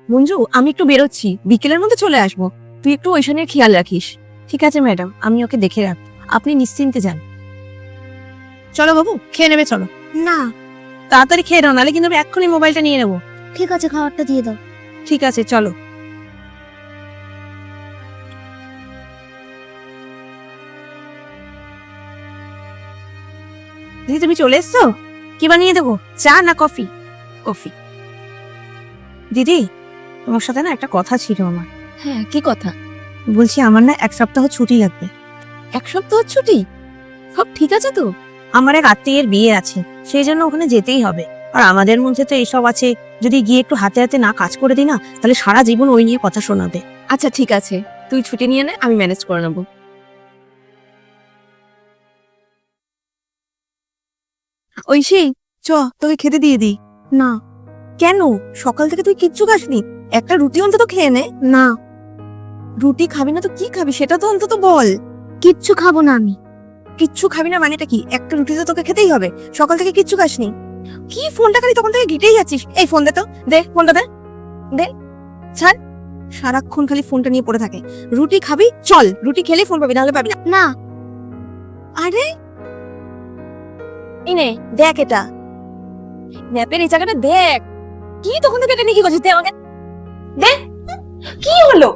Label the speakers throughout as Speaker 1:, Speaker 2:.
Speaker 1: মঞ্জু, আমি একটু বেরোচ্ছি, বিকেলের মধ্যে চলে আসবো। তুই একটু ঐশানের খেয়াল রাখিস। ঠিক আছে ম্যাডাম, আমি ওকে দেখে রাখ। আপনি নিশ্চিন্তে যান। চলো বাবু, খেয়ে নেবে চলো।
Speaker 2: না
Speaker 1: তাড়াতাড়ি খেয়ে নাও, নাহলে কিন্তু আমি এক্ষুনি মোবাইলটা নিয়ে নেবো।
Speaker 2: ঠিক আছে, খাবারটা দিয়ে দাও।
Speaker 1: ঠিক আছে চলো। দিদি তুমি চলে এসছো? কি বানিয়ে দেবো, চা না কফি? কফি। দিদি, তোমার সাথে না একটা কথা ছিল আমার।
Speaker 2: হ্যাঁ, কি কথা?
Speaker 1: বলছি আমার না 1 সপ্তাহ ছুটি লাগবে।
Speaker 2: 1 সপ্তাহ ছুটি? সব ঠিক আছে তো?
Speaker 1: আমার এক আত্মীয়ের বিয়ে আছে, সেই জন্য ওখানে যেতেই হবে। আর আমাদের মধ্যে তো এসব আছে, যদি গিয়ে একটু হাতে হাতে না কাজ করে দিই না, তাহলে সারা জীবন ওই নিয়ে কথা শোনাবে।
Speaker 2: আচ্ছা ঠিক আছে, তুই ছুটি নিয়ে নে, আমি ম্যানেজ করে নেবো।
Speaker 1: ঐশী, চ তোকে খেতে দিয়ে দিই।
Speaker 2: না
Speaker 1: কেন? সকাল থেকে তুই কিচ্ছু খাসনি, একটা রুটি অন্তত খেয়ে নে।
Speaker 2: না,
Speaker 1: রুটি খাবি না তো কি খাবি সেটা তো অন্তত বল।
Speaker 2: কিচ্ছু খাবো না আমি।
Speaker 1: কিচ্ছু খাবি না মানেটা কি? একটা রুটি তো তোকে খেতেই হবে। সকাল থেকে কিচ্ছু খাসনি, কি ফোনটা খালি তখন থেকে ঘিটেই যাচ্ছিস। এই ফোন দে তো, দে ফোনটা দে, দে ছাড়। সারাক্ষণ খালি ফোনটা নিয়ে পড়ে থাকে। রুটি খাবি, চল রুটি খেলেই ফোন পাবি, নাহলে পাবি না।
Speaker 2: না
Speaker 1: আরে ইনে দেখ, এটা ম্যাপের এই জায়গাটা দেখ। কি তখন থেকে এটা নিয়ে কি করছিস? দে আমাকে, দে। কি হলো?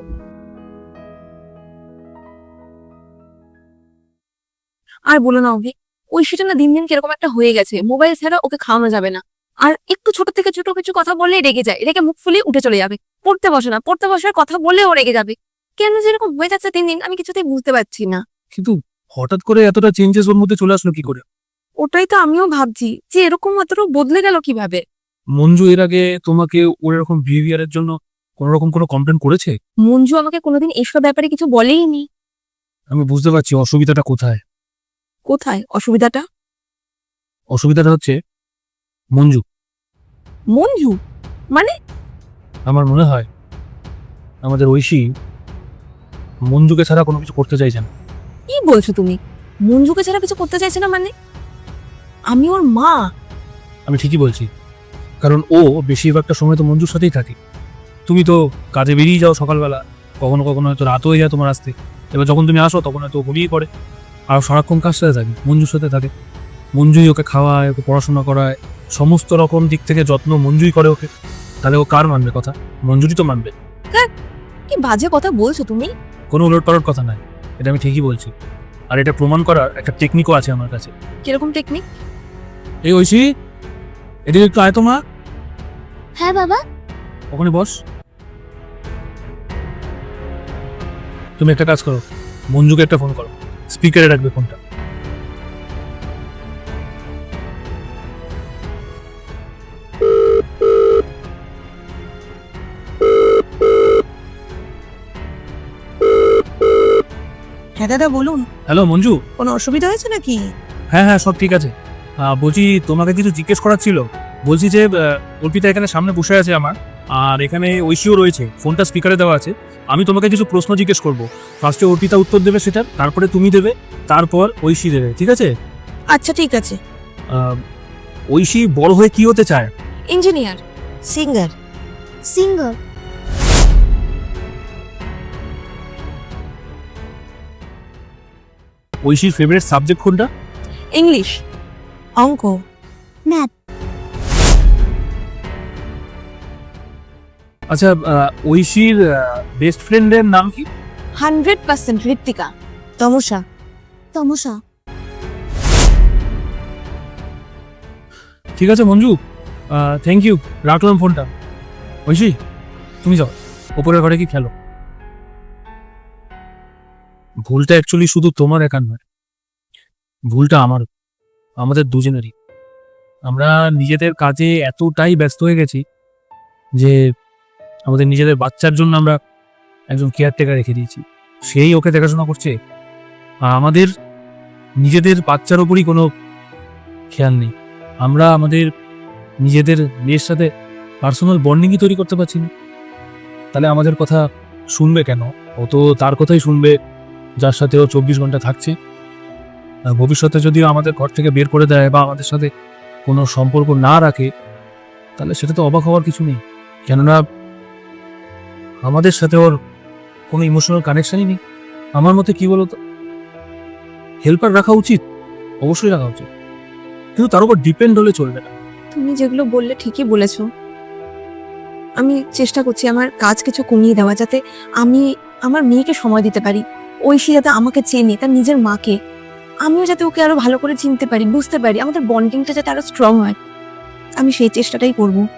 Speaker 1: আর বলো না অভি, ওই সেটা না দিন দিন কিরকম একটা হয়ে গেছে। মোবাইল ছাড়া ওকে খাওয়ানো যাবে না। আর একটু ছোট থেকে ছোট কিছু কথা বললেই রেগে যায়, রেগে মুখ ফুলিয়ে উঠে চলে যাবে। পড়তে বসে না, পড়তে বসার কথা বললেও রেগে যাবে। কেন যেরকম হয়ে যাচ্ছে দিন দিন, আমি কিছুতেই বুঝতে পারছি না।
Speaker 3: কিন্তু হঠাৎ করে এতটা চেঞ্জেস ওর মধ্যে চলে আসলো কি করে?
Speaker 1: ওটাই তো আমিও ভাবছি, যে এরকম এতটা বদলে গেল কিভাবে।
Speaker 3: মঞ্জু এর আগে তোমাকে ওর এরকম বিহেভিয়ারের জন্য কোন রকম কোনো কমপ্লেন করেছে?
Speaker 1: মঞ্জু আমাকে কোনোদিন এসব ব্যাপারে কিছু বলেইনি।
Speaker 3: আমি বুঝতে পারছি অসুবিধাটা কোথায়।
Speaker 1: কোথায় অসুবিধাটা?
Speaker 3: অসুবিধাটা হচ্ছে মঞ্জু।
Speaker 1: মঞ্জু মানে?
Speaker 3: আমার মনে হয় আমাদের ঐশী মঞ্জুকে ছাড়া কোনো কিছু করতে চাইছে না।
Speaker 1: কি বলছো তুমি? মঞ্জুকে ছাড়া কিছু করতে চাইছে না মানে? আমি ওর মা।
Speaker 3: আমি ঠিকই বলছি, কারণ ও বেশিরভাগটা সময় তো মঞ্জুর সাথেই থাকে। তুমি তো কাজে বেরিয়ে যাও সকালবেলা, কখনো কখনো হয়তো রাত হয়ে যায় তোমার আসতে। এবার যখন তুমি আসো তখন হয়তো ঘুমিয়ে পড়ে। আর সারাক্ষণ কার সাথে থাকে? মঞ্জুর সাথে থাকে। মঞ্জুই ওকে খাওয়ায়, ওকে পড়াশোনা করায়, সমস্ত রকম দিক থেকে যত্ন মঞ্জুই করে ওকে। তাহলে ও কার মানবে কথা? মঞ্জুরই তো মানবে।
Speaker 1: কি বাজে কথা বলছো তুমি।
Speaker 3: কোনো উলটপালট কথা নাই, এটা আমি ঠিকই বলছি। আর এটা প্রমাণ করার একটা টেকনিকও আছে আমার কাছে।
Speaker 1: কিরকম টেকনিক?
Speaker 3: এই ঐশী, এদিকে একটু আয় তো মা।
Speaker 2: হ্যাঁ বাবা।
Speaker 3: ওখানে বস। তুমি একটা কাজ করো, মঞ্জুকে একটা ফোন করো, স্পিকারে রাখবে ফোনটা।
Speaker 1: হ্যাঁ দাদা বলুন,
Speaker 3: হ্যালো মঞ্জু।
Speaker 1: কোনো অসুবিধা হয়েছে নাকি?
Speaker 3: হ্যাঁ হ্যাঁ, সব ঠিক আছে। বলছি তোমাকে কিছু জিজ্ঞেস করার ছিল। বলছি যে অর্পিতা এখানে সামনে বসে আছে আমার, আর এখানে ঐশীও রয়েছে, ফোনটা স্পিকারে দেওয়া আছে। আমি তোমাকে কিছু প্রশ্ন জিজ্ঞেস করবো। ফার্স্টে অর্পিতা উত্তর দেবে সেটার, তারপরে তুমি দেবে, তারপর ঐশী দেবে, ঠিক আছে?
Speaker 1: আচ্ছা ঠিক আছে।
Speaker 3: ঐশী বড় হয়ে কি হতে চায়?
Speaker 1: ইঞ্জিনিয়ার। সিঙ্গার।
Speaker 2: সিঙ্গার।
Speaker 3: ঐশীর ফেভারিট সাবজেক্ট কোনটা?
Speaker 1: ইংলিশ, অঙ্ক,
Speaker 2: ম্যাথ।
Speaker 3: আচ্ছা, ঐশীর বেস্ট ফ্রেন্ডের নাম কি?
Speaker 1: 100% ঋত্বিকা। তমসা।
Speaker 2: তমসা।
Speaker 3: ঠিক আছে মঞ্জু, থ্যাংক ইউ, রাখলাম ফোনটা। ঐশী তুমি যাও, ওপরের ঘরে কি খেলো। ভুলটা অ্যাকচুয়ালি শুধু তোমার একার নয়, ভুলটা আমার, আমাদের দুজনেরই। আমরা নিজেদের কাজে এতটাই ব্যস্ত হয়ে গেছি যে আমাদের নিজেদের বাচ্চার জন্য আমরা একজন কেয়ারটেকার রেখে দিয়েছি, সেই ওকে দেখাশোনা করছে। আর আমাদের নিজেদের বাচ্চার ওপরই কোনো খেয়াল নেই। আমরা আমাদের নিজেদের মেয়ের সাথে পার্সোনাল বন্ডিংই তৈরি করতে পারছি না। তাহলে আমাদের কথা শুনবে কেন? ও তো তার কথাই শুনবে যার সাথে ও 24 ঘন্টা থাকছে। আর ভবিষ্যতে যদিও আমাদের ঘর থেকে বের করে দেয় বা আমাদের সাথে কোনো সম্পর্ক না রাখে, তাহলে সেটা তো অবাক হওয়ার কিছু নেই। কেননা আমাদের সাথে ওর কোনো ইমোশনাল কানেকশনই নেই। আমার মতে কি বলতো, হেল্পার রাখা উচিত, অবশ্যই রাখা উচিত, কিন্তু তার উপর ডিপেন্ড হলে চলবে না।
Speaker 1: তুমি যেগুলো বললে ঠিকই বলেছো। আমি চেষ্টা করছি আমার কাজ কিছু কমিয়ে দেওয়া, যাতে আমি আমার মেয়েকে সময় দিতে পারি। ঐশী যাতে আমাকে চেনে, তার নিজের মাকে, আমিও যাতে ওকে আরো ভালো করে চিনতে পারি, বুঝতে পারি, আমাদের বন্ডিংটা যাতে আরো স্ট্রং হয়। আমি সেই চেষ্টাটাই করবো।